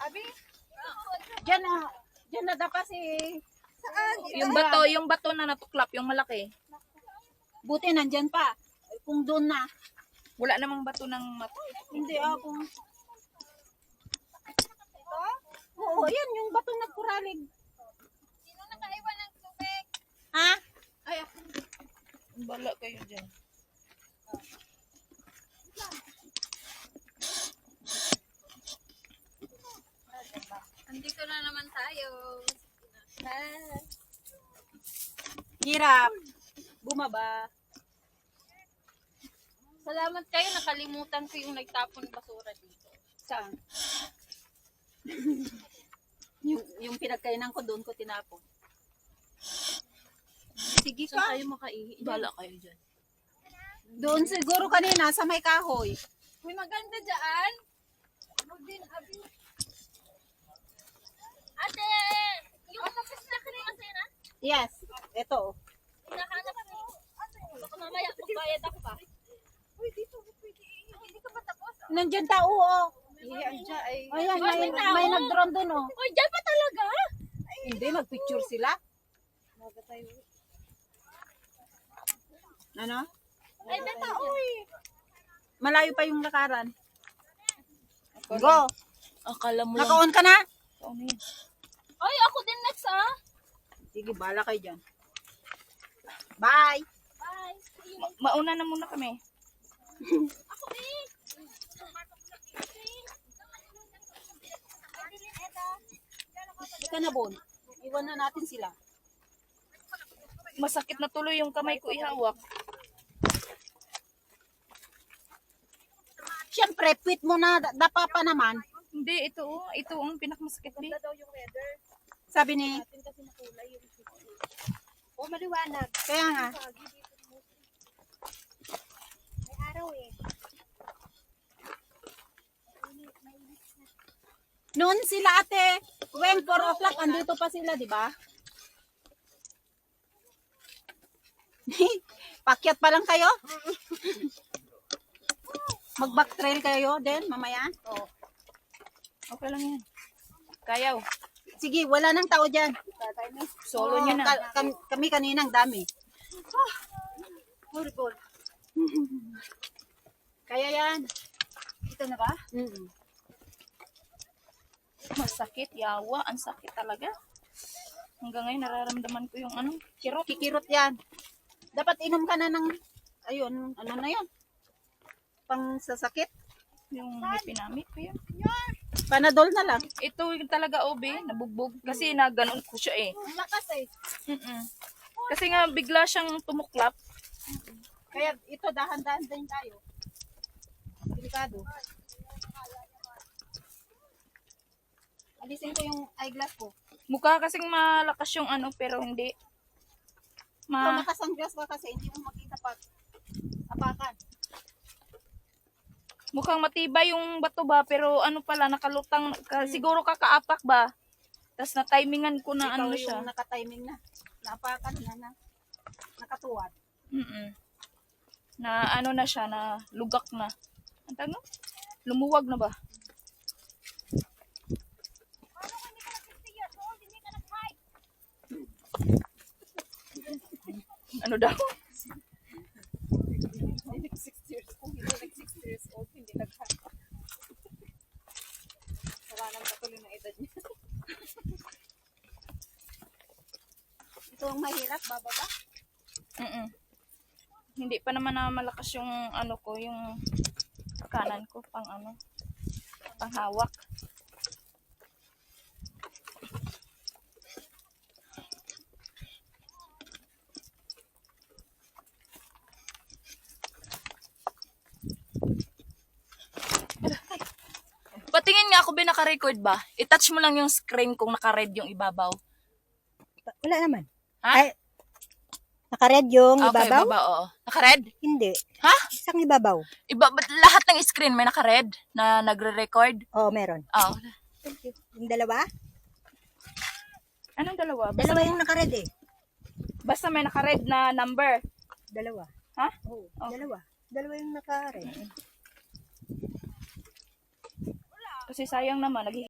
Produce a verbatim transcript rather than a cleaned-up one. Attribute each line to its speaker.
Speaker 1: Abi? Diyan na. Diyan na dapat si... Saan?
Speaker 2: Yung bato, yung bato na natuklap, yung malaki.
Speaker 1: Buti nandyan pa. Kung doon na.
Speaker 2: Wala namang bato ng mat.
Speaker 1: Hindi ako. Oo, yan yung batong nagkuralig.
Speaker 3: Sino nakaiwan ng tubig?
Speaker 1: Ha?
Speaker 2: Ay, ako. Bala kayo dyan.
Speaker 3: Andito na naman tayo.
Speaker 1: Hirap. Bumaba.
Speaker 3: Salamat kayo, nakalimutan ko yung nagtapon basura dito.
Speaker 1: Saan? yung, yung pinagkainan ko doon ko tinapon. Sige
Speaker 2: Saan
Speaker 1: ka.
Speaker 2: kayo makaihi? Bala kayo dyan.
Speaker 1: Doon siguro kanina sa may kahoy.
Speaker 3: Uy, maganda dyan. Ano din, abi? Ate, yung tapos na kanina sa'yo na?
Speaker 1: Yes. Ito.
Speaker 3: Hinahanap ko. Baka mamaya kung bayad ako pa. Uy, dito, pwede. Hindi ka ba tapos?
Speaker 1: Nandyan tao, oh.
Speaker 2: Iyan dyan ay...
Speaker 1: Ayan,
Speaker 3: Ay,
Speaker 1: may,
Speaker 3: may tao.
Speaker 1: may nag-drone doon, oh.
Speaker 3: Uy, dyan pa talaga?
Speaker 1: Hindi, mag-picture sila. Ano?
Speaker 3: Ay, may tao eh.
Speaker 1: Malayo pa yung lakaran. Go.
Speaker 2: Akala mo lang.
Speaker 1: Naka-on ka na?
Speaker 2: Ano yun?
Speaker 3: Ay, ako din next ah.
Speaker 1: Sige, bala kayo dyan. Bye.
Speaker 3: Bye.
Speaker 2: Ma- mauna na muna kami.
Speaker 3: Ako din.
Speaker 1: Ika na, Bon. Iwan na natin sila.
Speaker 2: Masakit na tuloy yung kamay ko ihawak.
Speaker 1: Siyempre, quit mo na. da- Dapa pa naman.
Speaker 2: Hindi, ito oh. Ito ang pinakamasakit. Di.
Speaker 1: Sabi ni...
Speaker 3: Oh, maliwanag.
Speaker 1: Kaya nga.
Speaker 3: May araw eh.
Speaker 1: Noon sila ate, when four o'clock, andito pa sila, di ba? Pakyat pa lang kayo? Mag-back trail kayo din, mamaya?
Speaker 2: Oo. Okay lang yan. Kayaw.
Speaker 1: Sige, wala nang tao dyan.
Speaker 2: Solo nyo na.
Speaker 1: Ka- kami, kami kaninang dami. Horrible. Kaya yan.
Speaker 3: Ito na ba?
Speaker 1: Mm-mm.
Speaker 2: Masakit, yawa. Ang sakit talaga. Hanggang ngayon nararamdaman ko yung ano, kirot.
Speaker 1: Kikirot yan. Dapat inom ka na ng, ayun, ano na yan? Pang sasakit.
Speaker 2: Yung hipinamit ko yun.
Speaker 1: Panadol na lang.
Speaker 2: Ito yung talaga obe, nabugbog. Kasi na ganun ko siya eh.
Speaker 3: Ang lakas eh.
Speaker 2: Mm-mm. Kasi nga bigla siyang tumuklap.
Speaker 1: Kaya ito, dahan-dahan din tayo. Delikado. Alisin ko yung eyeglass ko.
Speaker 2: Mukha kasing malakas yung ano, pero hindi.
Speaker 1: Kung
Speaker 2: Ma
Speaker 1: nakasunglass ka kasi, hindi mo makita pag apakan.
Speaker 2: mukhang matibay yung bato ba, pero ano pala, nakalutang, ka, siguro kakaapak ba? Tapos na-timingan ko na
Speaker 1: Ikaw
Speaker 2: ano
Speaker 1: yung
Speaker 2: siya.
Speaker 1: nakatiming na. Naapakan na na. Nakatuwad.
Speaker 2: Mm-mm. Na ano na siya, na lugak na. Ang tawag no? Lumuwag na ba? Ano daw?
Speaker 1: Hindi sixty years old. Hindi nag sixty years old. Hindi nag-high. Wala nang patuloy ng edad niya. Ito ang mahirap, bababa.
Speaker 2: Mm-mm. Hindi pa naman na malakas yung ano ko, yung kanan ko, pang ano, pang hawak. Patingin nga ako ba naka-record ba? I-touch mo lang yung screen kung naka-red yung ibabaw.
Speaker 4: Wala naman.
Speaker 2: Ha?
Speaker 4: Ay, naka-red yung
Speaker 2: Okay,
Speaker 4: ibabaw?
Speaker 2: baba, oo. Naka-red?
Speaker 4: Hindi.
Speaker 2: Ha?
Speaker 4: Isang ibabaw.
Speaker 2: Iba, ba't lahat ng screen may naka-red na nagre-record?
Speaker 4: Oo, meron.
Speaker 2: Oo.
Speaker 4: Thank you. Yung dalawa?
Speaker 2: Anong dalawa? Basta,
Speaker 4: Dalawa yung naka-red eh.
Speaker 2: basta may naka-red na number.
Speaker 4: Dalawa.
Speaker 2: Ha?
Speaker 4: Oo,
Speaker 2: Okay.
Speaker 4: dalawa. Dalawa yung naka-red.
Speaker 2: Kasi sayang naman, nag